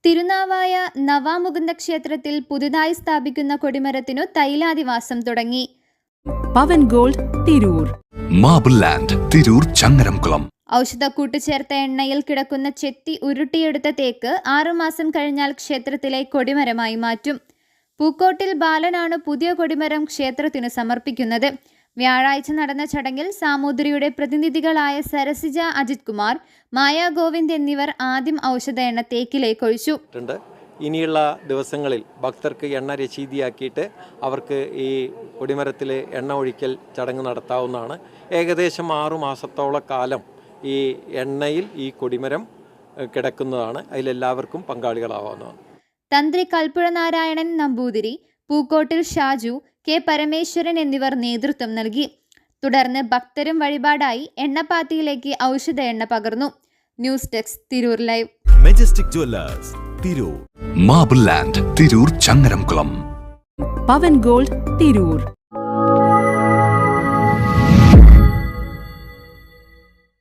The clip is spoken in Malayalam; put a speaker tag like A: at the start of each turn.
A: തിരുനാവായ നവാമുകുന്ദ ക്ഷേത്രത്തിൽ പുതുതായി സ്ഥാപിക്കുന്ന കൊടിമരത്തിനു തൈലാദിവാസം തുടങ്ങി.
B: Pavan gold Tirur,
C: marble land Tirur Changaramkulam.
A: ഔഷധക്കൂട്ട് ചേർത്ത എണ്ണയിൽ കിടക്കുന്ന ചെത്തി ഉരുട്ടിയെടുത്ത തേക്ക് 6 മാസം കഴിഞ്ഞാൽ ക്ഷേത്രത്തിലെ കൊടിമരമായി മാറ്റും. പൂക്കോട്ടിൽ ബാലനാണ് പുതിയ കൊടിമരം ക്ഷേത്രത്തിനു സമർപ്പിക്കുന്നത്. വ്യാഴാഴ്ച നടന്ന ചടങ്ങിൽ സാമൂതിരിയുടെ പ്രതിനിധികളായ സരസിജ അജിത് കുമാർ, മായ ഗോവിന്ദ് എന്നിവർ ആദ്യം ഔഷധ എണ്ണ തേക്കിലേക്ക് ഒഴിച്ചു.
D: ഇനിയുള്ള ദിവസങ്ങളിൽ ഭക്തർക്ക് എണ്ണ രശീതിയാക്കിയിട്ട് അവർക്ക് ഈ കൊടിമരത്തിൽ എണ്ണ ഒഴിക്കൽ ചടങ്ങ് നടത്താവുന്നതാണ്. ഏകദേശം 6 മാസത്തോളം കാലം ഈ എണ്ണയിൽ ഈ കൊടിമരം കിടക്കുന്നതാണ്. അതിലെല്ലാവർക്കും പങ്കാളികളാവുന്നതാണ്.
A: തന്ത്രി കൽപ്പുഴ നാരായണൻ നമ്പൂതിരി, പൂക്കോട്ടിൽ ഷാജു, കെ പരമേശ്വരൻ എന്നിവർ നേതൃത്വം നൽകി. തുടർന്ന് ഭക്തരും വഴിപാടായി എണ്ണപ്പാത്തിയിലേക്ക് ഔഷധ എണ്ണ പകർന്നു. News desk Tirur live.
E: Majestic jewellers Tirur,
C: marble land Tirur Changaramkulam.
B: Pavan gold Tirur.